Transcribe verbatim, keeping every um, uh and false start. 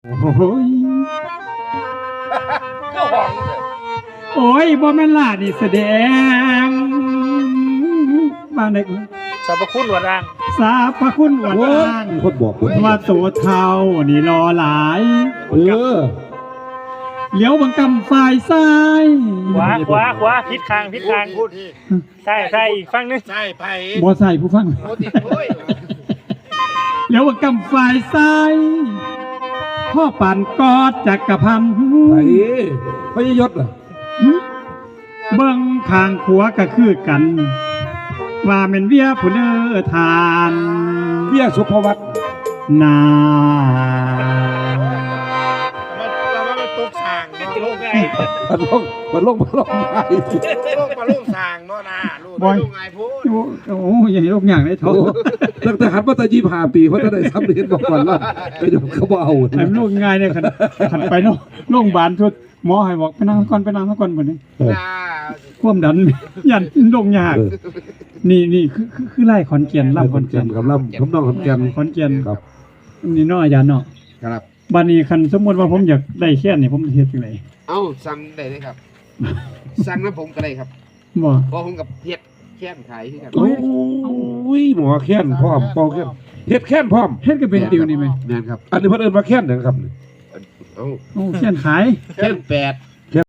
โอ้ยก็ห้องโอ้ยบ่แม่นล่ะนี่แสดงมาในสรรพคุณหลวงร่างสาพระคุณอวดอ้างคนบอกคนว่าโสเทานี่รอหลายเออเหลียวบังกำฝ่ายซ้ายขวาขวาขวาพิษคางพิษคางใช่ใช่อีกฝั่งนึงใช่ไผ่บ่ใส่ผู้ฟังโมติโอ้ยเหลียวบังกำฝ่ายซ้ายพ่อปั่นกอดจักรพันธ์ไอ้พระยศอ่ะเบิ่งข้างขัวก็คือกัน ว่าแม่นเวียผู้เน้อทานเบี้ยสุภวัตนามันเราว่ามันตกสางเนาะโลกไงมันลงมันลงมันลงไงโลกปลาลูกสางเนาะนะลูกลูกไงพูดโอ้โหอย่างนี้ลูกอย่างได้เท่าตั้งแต่หันมาตะยี่ห้าปีเพราะจะได้ซ้ำเรียนบอกก่อนว่าไปโดนเขาบ่เอาไอ้ลูกง่ายเนี่ยขันขันไปเนาะโรงพยาบาลทุกหมอให้บอกไปนั่งก่อนไปนั่งก่อนบ่นี้นะความดัน ยันลงยาก นี่นี่คือคือคือไล่ขอนเกียนล่ำลำขขออน นแก่เกียนนกับล่ำคำน้องขอนแก่นขอนเกียนครับนี่เนาะอาจารย์เนาะครับบัดนี้คันสมมุติว่าผมอยากได้แค่นี่ผมเฮ็ดจังได๋เอ้าสั่งได้เลยครับ สั่งน้ำผมก็ได้ครับบ่เพราะผมกับเฮ็ดแค่นขายที่กันโอ้ยหมอแค้นพร้อมเป่าแค้นเฮ็ดแค้นพร้อมเฮ็ดก็เป็นติวนี่ไหมแม่นครับอันนี้เพิ่นเอิ้นว่าแค้นนะครับเอ้าโอ้แค่นขายแค่นแปด